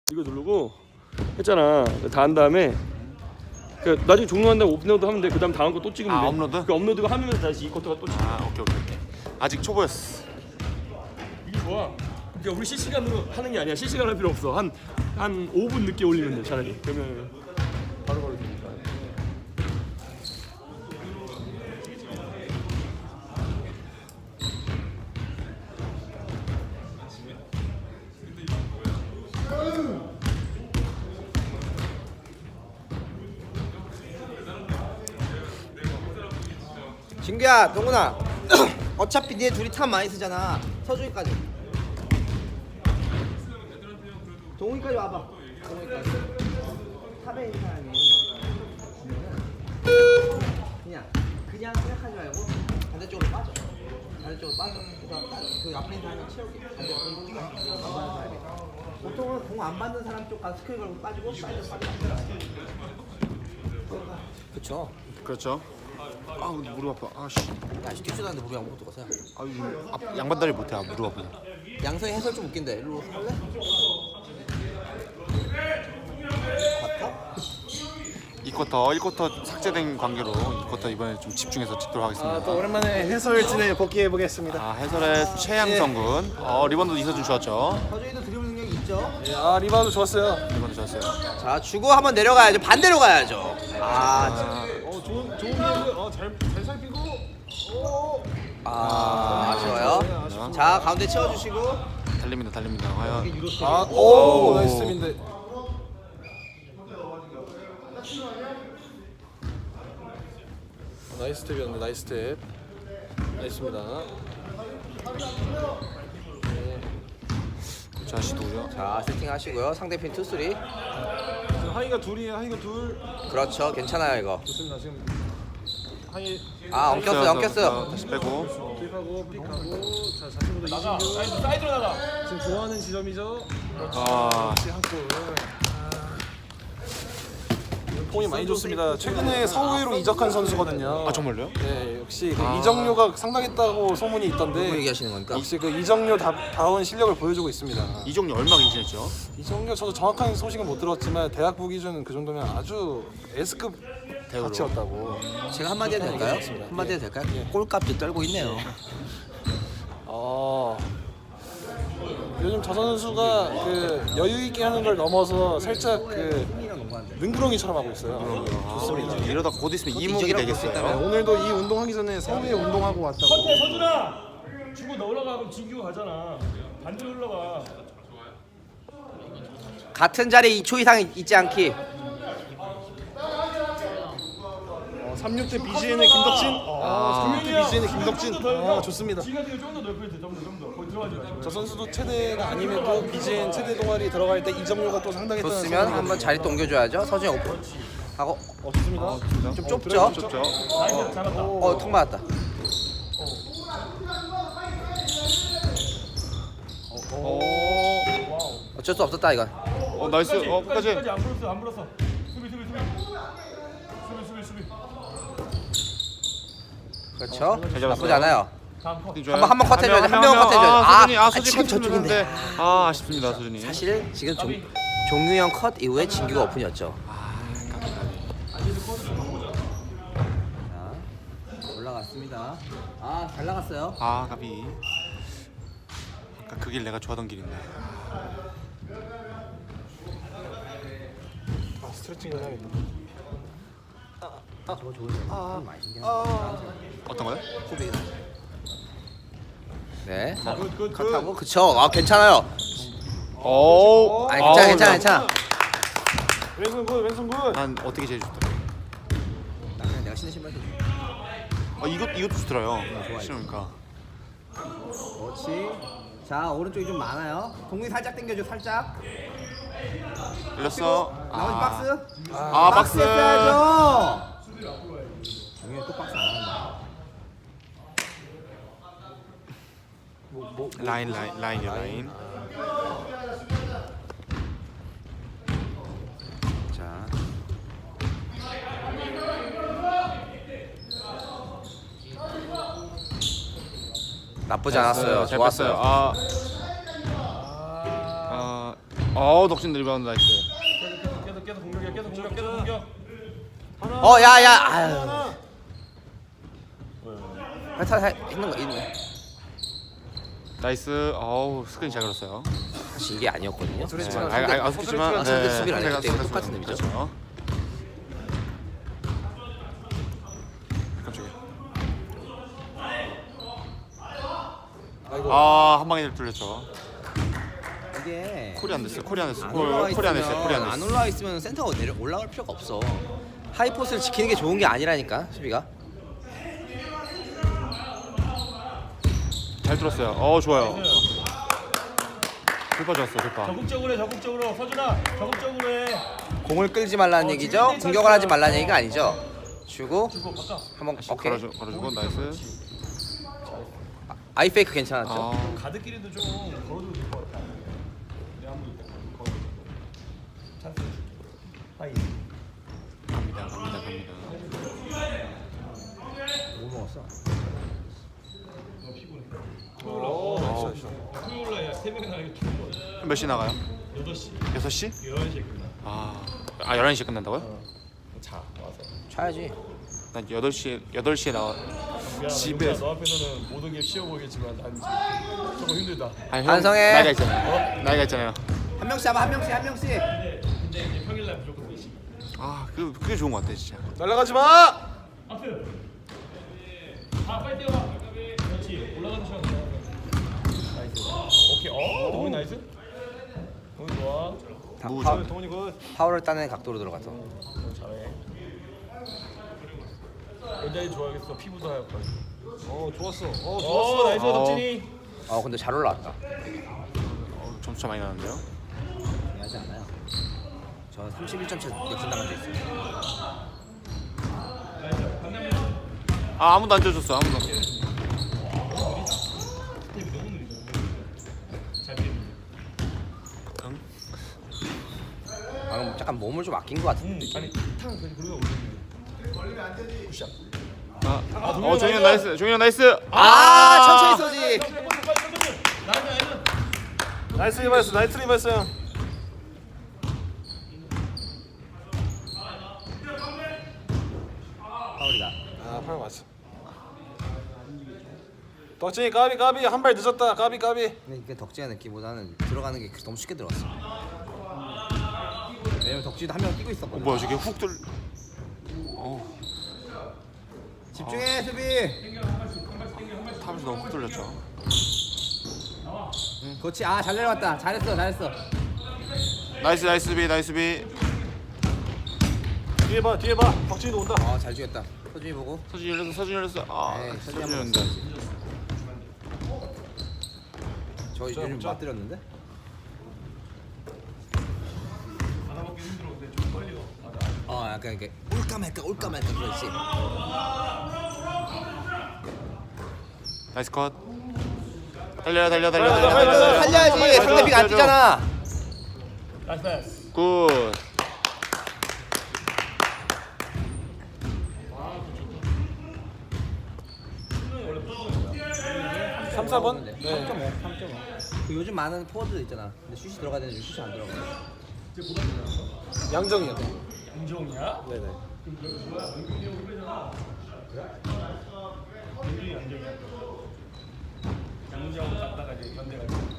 이거 누르고 했잖아. 다 한 다음에 그 나중에 종료한 다음에 업로드 하면 돼. 그 다음 다음 거 또 찍으면 돼. 업로드? 그 업로드가 하면 다시 이 쿼터가 또 찍혀. 오케이. 아직 초보였어. 이게 좋아. 그러니까 우리 실시간으로 하는 게 아니야. 실시간 할 필요 없어. 한 5분 늦게 올리면 돼 차라리. 그러면 바로바로 되니까. 진규야, 동훈아. 어차피 니네 둘이 탑 많이 쓰잖아. 서준이까지. 동훈이까지 와봐. 동훈이까지. 탑에 있는 사람이 그냥 생각하지 말고 반대쪽으로 빠져. 반대쪽으로 빠져. 그 앞에 있는 사람이 채우게. 반대쪽으로 안 받는 사람이. 보통은 공 안 받는 사람 쪽 가서 스크린 걸고 빠지고 빠져. 그쵸. 그렇죠. 아 근데 무릎 아파. 아씨. 야, 뛰지도 않는데 무릎이 아무것도 가세요. 아유 양반다리 못해. 무릎 아프네. 양성이 해설 좀 웃긴데. 일로 할래? 이 쿼터 1쿼터 삭제된 관계로 이 쿼터 이번에 좀 집중해서 찍도록 하겠습니다. 또 오랜만에 해설진에 복귀해 보겠습니다. 해설의 최양성 군. 리본도 이서준 좋았죠. 서준이도 드리블 능력이 있죠. 리바우드 좋았어요. 리본도 좋았어요. 자, 주고 한번 내려가야죠. 반대로 가야죠. 좋은 비행기. 잘 살피고. 아쉬워요. 자, 가운데 채워주시고. 달립니다. 과연. 나이스 탭인데. 나이스 탭이었는데 나이스 탭. 나이스입니다. 자 시도요. 자, 세팅하시고요. 상대편 투쓰리. 지금 하이가 둘이에요. 하이가 둘. 그렇죠. 괜찮아요, 이거. 좋습니다. 지금 하이 엉켰어요. 다시 빼고. 픽하고 자 자신보다 이진규 사이드로 나가. 지금 좋아하는 지점이죠. 역시 한 골. 폼이 많이 좋습니다. 최근에 서울로 이적한 선수거든요. 정말요? 네, 역시 그 이정료가 상당했다고 소문이 누구 있던데 얘기하시는 겁니까? 역시 그 이정료 다운 실력을 보여주고 있습니다. 이종류 얼마 괜찮죠? 이정료 저도 정확한 소식은 못 들었지만 대학부 기준 그 정도면 아주 S급 대우로. 가치였다고. 제가 한마디 해도 될까요? 맞습니다. 한마디 해도 될까요? 꼴값도 떨고 있네요. 요즘 저 선수가 그 여유 있게 하는 걸 넘어서 살짝 그 능구렁이처럼 하고 있어요. 좋습니다. 이러다 곧 있으면 이목이 이적이라고 볼수 되겠어요. 네, 오늘도 이 운동하기 전에 서울에 운동하고 왔다고. 서준아! 주고 너 올라가. 그럼 진규가 가잖아. 반대로 올라가. 같은 자리에 2초 이상 있지 않기. 36대 BGN의 김덕진. 36대 BGN의 김덕진. 좋습니다. 지가 지금 좀더 넓혀야 돼. 좀 더. 거기 들어가지 마시고. 저 선수도 체대가 아님에도 BGN 체대 동아리 들어갈 때 이정료가 또 상당했다는 좋으면 소문이 한번 자리 또 옮겨줘야죠. 서준이 오픈 하고. 좋습니다. 좀 좁죠? 좁죠. 나이스. 잘한다. 턱 맞았다. 어쩔 수 없었다 이건. 나이스. 끝까지. 끝까지 안 불었어. 수비. 그렇죠. 잘 잡았어요. 나쁘지 않아요. 다음 컷. 한번 컷 해줘야죠. 한 명은 컷 해줘야죠. 소준이 지금 컷 저쪽인데. 해줬는데. 아쉽습니다 소준이. 사실 지금 종유형 컷 이후에 진규가 오픈이었죠. 자, 올라갔습니다. 잘 나갔어요. 가비. 아까 그 길 내가 좋아하던 길인데. 스트레칭을 해야겠다. 저거 좋은 많이 신기한 어떤 거요? 소비. 네. 컷하고 그쵸. 괜찮아요. 괜찮아. 왼손 굿. 난 어떻게 제일 좋더라. 그냥 내가 신는 신발 좀. 이것도 좋더라요. 신으니까. 그렇지. 자, 오른쪽이 좀 많아요. 동훈이 살짝 당겨줘, 살짝. 걸렸어. 나머지 박스. 박스. 했어야죠. 동훈이 또 박스 안 한다. 라인. 자. 나쁘지 않았어요. 잘 좋았어요. 뺐어요. 덕진 리바운드 나이스. 계속 공격이야. 계속 공격. 야야. 하나. 아유. 있는 거 있네. 나이스. 어우 스크린 잘 걸었어요. 사실 이게 아니었거든요. 소리지만 아쉽지만 상대 수비를 안 했기 때문에 똑같은 의미죠. 그렇죠. 깜짝이야. 한 방에 뚫렸죠. 이게 콜이 안 됐어요. 콜이 안 됐어. 안 콜이 올라와 안 됐어요. 콜이 안 있으면 안 됐어. 올라와 있으면 센터가 올라갈 필요가 없어. 하이포스를 지키는 게 좋은 게 아니라니까 수비가. 잘 뚫었어요. 좋아요. 돌파 좋았어. 돌파. 적극적으로 서준아. 적극적으로 해. 공을 끌지 말라는 얘기죠. 공격을 하지 말라는 얘기가 아니죠. 주고 한번 오케이. 걸어주고 나이스. 아이페이크 괜찮았죠. 가드끼리도 좀 걸어줘도 될 것 같아. 내가 한번 거기 찬스 줄게. 하이. 갑니다. 뭐 먹었어? 토요일날 야 3명이 나가게 죽어. 몇 시 나가요? 8시. 6시? 11시에 끝나. 11시에 끝난다고요? 자 와서. 차야지. 난 8시에 나와. 미안하다. 집에- 너 앞에서는 모든 게 쉬워 보이겠지만 난 조금 힘들다. 아니, 형, 반성해. 나이가 있잖아요. 나이가 있잖아요. 한 명씩 잡아 한 명씩. 근데 이제 평일날 무조건 4시. 그게 좋은 것 같아 진짜. 날아가지 마. 앞에. 빨리 뛰어봐. 그렇지. 올라가는 시간. 나이스. 오케이. 동훈이 나이스. 동훈이 좋아. 무조. 동훈이 굿. 파워를 따는 각도로 들어가서. 잘해. 여자애 좋아하겠어. 피부도 하얗고. 좋았어. 좋았어. 나이스 덕진이. 근데 잘 올라왔다. 점수 차 많이 나는데요. 중요하지 않아요. 저 31점 차 역전 당한 적 있어요. 아무도 안 쪄줬어. 아무도. 방금 약간 몸을 좀 아낀 것 같은데. 아니 탕 그냥 그러다 올리는. 걸리면 안 되지. 굿샷. 종현 나이스. 종현 나이스. 천천히 쏘지. 나이스 리바이스. 나이스 리바이스. 파울이다. 팔 맞어. 덕진이 까비 한 발 늦었다. 까비. 근데 이게 덕지가 느끼보다는 들어가는 게 너무 쉽게 들어갔어. 왜냐면 덕지도 한 명 뛰고 있었거든. 뭐야 저게 훅 들. 집중해 수비. 탑에서 너무 훅 돌렸죠. 그렇지. 잘 내려왔다. 잘했어. 나이스 비. 뒤에 봐. 덕진이도 온다. 잘 죽였다. 서준이 보고. 서준이 열렸어. 서준이 한번 열렸는데. 저 요즘 맞들였는데? 약간 이렇게 올까 말까 그렇지. 나이스 컷. 달려. 살려야지. 상대비가 안 뛰잖아. 나이스 패스. 굿. 네. 3-4번? 3.5. 그 요즘 많은 포워드 있잖아. 근데 슛이 들어가야 되는데 슛이 안 들어가. 양정이야. 양정이야? 네네. 양정하고 갔다가 이제 견대가지고.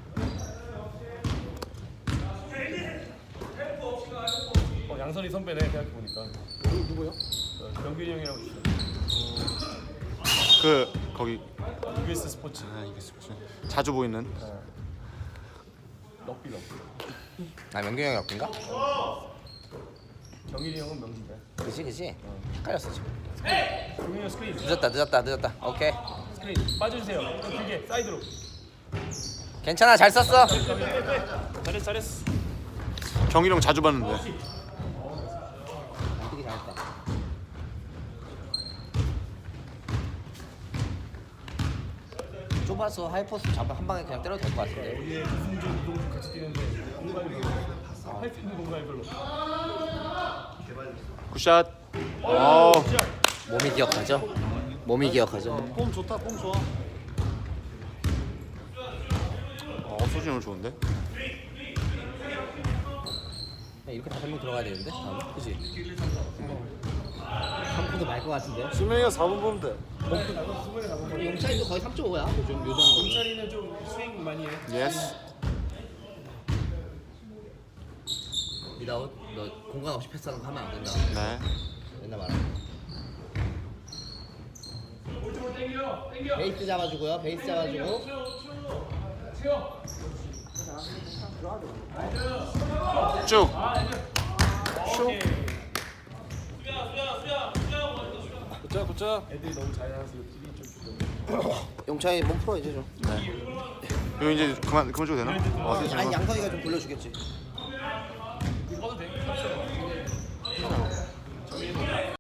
양선이 선배네 생각해보니까. 누구요? 병균이 형이라고 있어. 거기 UBS 스포츠. 이게 자주 보이는. 럭비. 명균이 형이 없긴가? 경일이 형은 명진대. 그치. 헷갈렸어 지금. 경일이 형 스크린. 늦었다. 오케이. 스크린 빠져주세요. 길게 사이드로. 괜찮아. 잘 썼어. 잘했어. 경희령 자주 봤는데. 되게 잘했다. 좁아서 하이포스 잡아 한 방에 그냥 때려도 될 것 같은데. 우리의 이승준, 이동준 같이 뛰는데 공간이 할수 있는 공간이 별로. 굿샷. 몸이 기억하죠. 폼 좋다. 폼 좋아. 서준이 오늘 좋은데. 이렇게 5명 들어가야 되는데 다음에 그치? 3분도 말 것 같은데 수명이가 4분 보면 돼. 용찬이도 거의 3.5야 요즘 요정 용찬이는 좀 스윙 많이 해. 예스. 미다웃 너 공간 없이 패스하는 거 하면 안 된다 네. 맨날 말하는 베이스 잡아주고요 베이스 잡아주고 쭉. 굿자 굿자. 애들이 너무 잘해서 TV 좀 용찬이 몸 풀어 이제 좀 이거 이제 그만 줘도 되나? 아니 양성이가 좀 돌려주겠지 이거도 돼.